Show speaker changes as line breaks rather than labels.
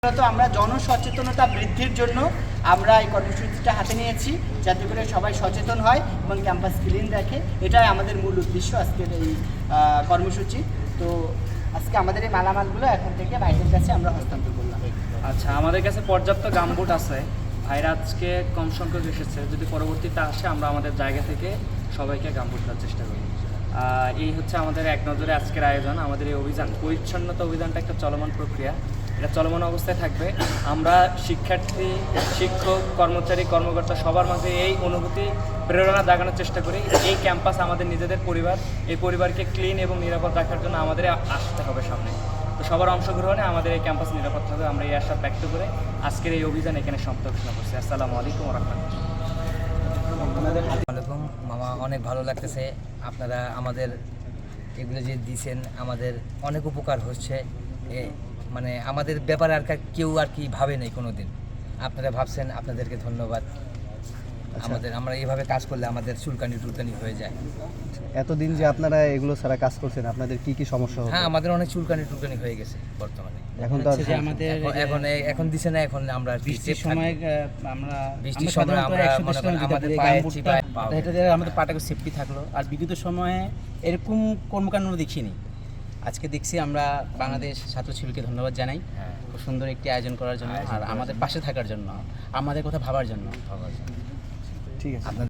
মূলত আমরা জনসচেতনতা বৃদ্ধির জন্য আমরা এই কর্মসূচিটা হাতে নিয়েছি, যাতে করে সবাই সচেতন হয় এবং ক্যাম্পাস ক্লিন রাখে। এটাই আমাদের মূল উদ্দেশ্য আজকের এই কর্মসূচি। তো আজকে আমাদের এই মালামালগুলো এখন থেকে ভাইদের কাছে আমরা হস্তান্তর করলাম।
আচ্ছা, আমাদের কাছে পর্যাপ্ত গামবুট আছে। ভাইরা আজকে কম সংখ্যক এসেছে, যদি পরবর্তীতে আসে আমরা আমাদের জায়গা থেকে সবাইকে গামবুট দেওয়ার চেষ্টা করি। এই হচ্ছে আমাদের এক নজরে আজকের আয়োজন। আমাদের এই অভিযান, পরিচ্ছন্নতা অভিযানটা একটা চলমান প্রক্রিয়া, এটা চলমান অবস্থায় থাকবে। আমরা শিক্ষার্থী, শিক্ষক, কর্মচারী, কর্মকর্তা সবার মাঝে এই অনুভূতি, প্রেরণা জাগানোর চেষ্টা করি। এই ক্যাম্পাস আমাদের নিজেদের পরিবার, এই পরিবারকে ক্লিন এবং নিরাপদ রাখার জন্য আমাদের আসতে হবে সামনে। তো সবার অংশগ্রহণে আমাদের এই ক্যাম্পাস নিরাপদ হবে, আমরা এই আশা ব্যক্ত করে আজকের এই অভিযান এখানে সমাপ্ত ঘোষণা করছি। আসসালামু আলাইকুম ওয়া রাহমাতুল্লাহ।
মামা, অনেক ভালো লাগতেছে। আপনারা আমাদের এগুলো যে দিয়েছেন, আমাদের অনেক উপকার হচ্ছে। মানে আমাদের ব্যাপারে আর কেউ আর কি ভাবে নাই কোনো দিন, আপনারা ভাবছেন, আপনাদেরকে ধন্যবাদ। আমরা এইভাবে কাজ করলে আমাদের চুলকানি টুলকানি হয়ে যায়।
এতদিন যে আপনারা এগুলো ছাড়া কাজ করছেন, আপনাদের কি কি সমস্যা হতো?
হ্যাঁ, আমাদের অনেক চুলকানি টুলকানি হয়ে গেছে বর্তমানে।
এখন তো
এখন দিছে না, এখন আমরা
বৃষ্টির সময় আমরা
আমাদের পায়ে চিপায়
এটা দিয়ে আমাদের পাটাকে সেফটি থাকলো। আর বিগত সময়ে এরকম কর্মকাণ্ড দেখিনি, আজকে দেখছি। আমরা বাংলাদেশ ছাত্র শিবিরকে ধন্যবাদ জানাই খুব সুন্দর একটি আয়োজন করার জন্য, আর আমাদের পাশে থাকার জন্য, আমাদের কথা ভাবার জন্য।
ঠিক আছে।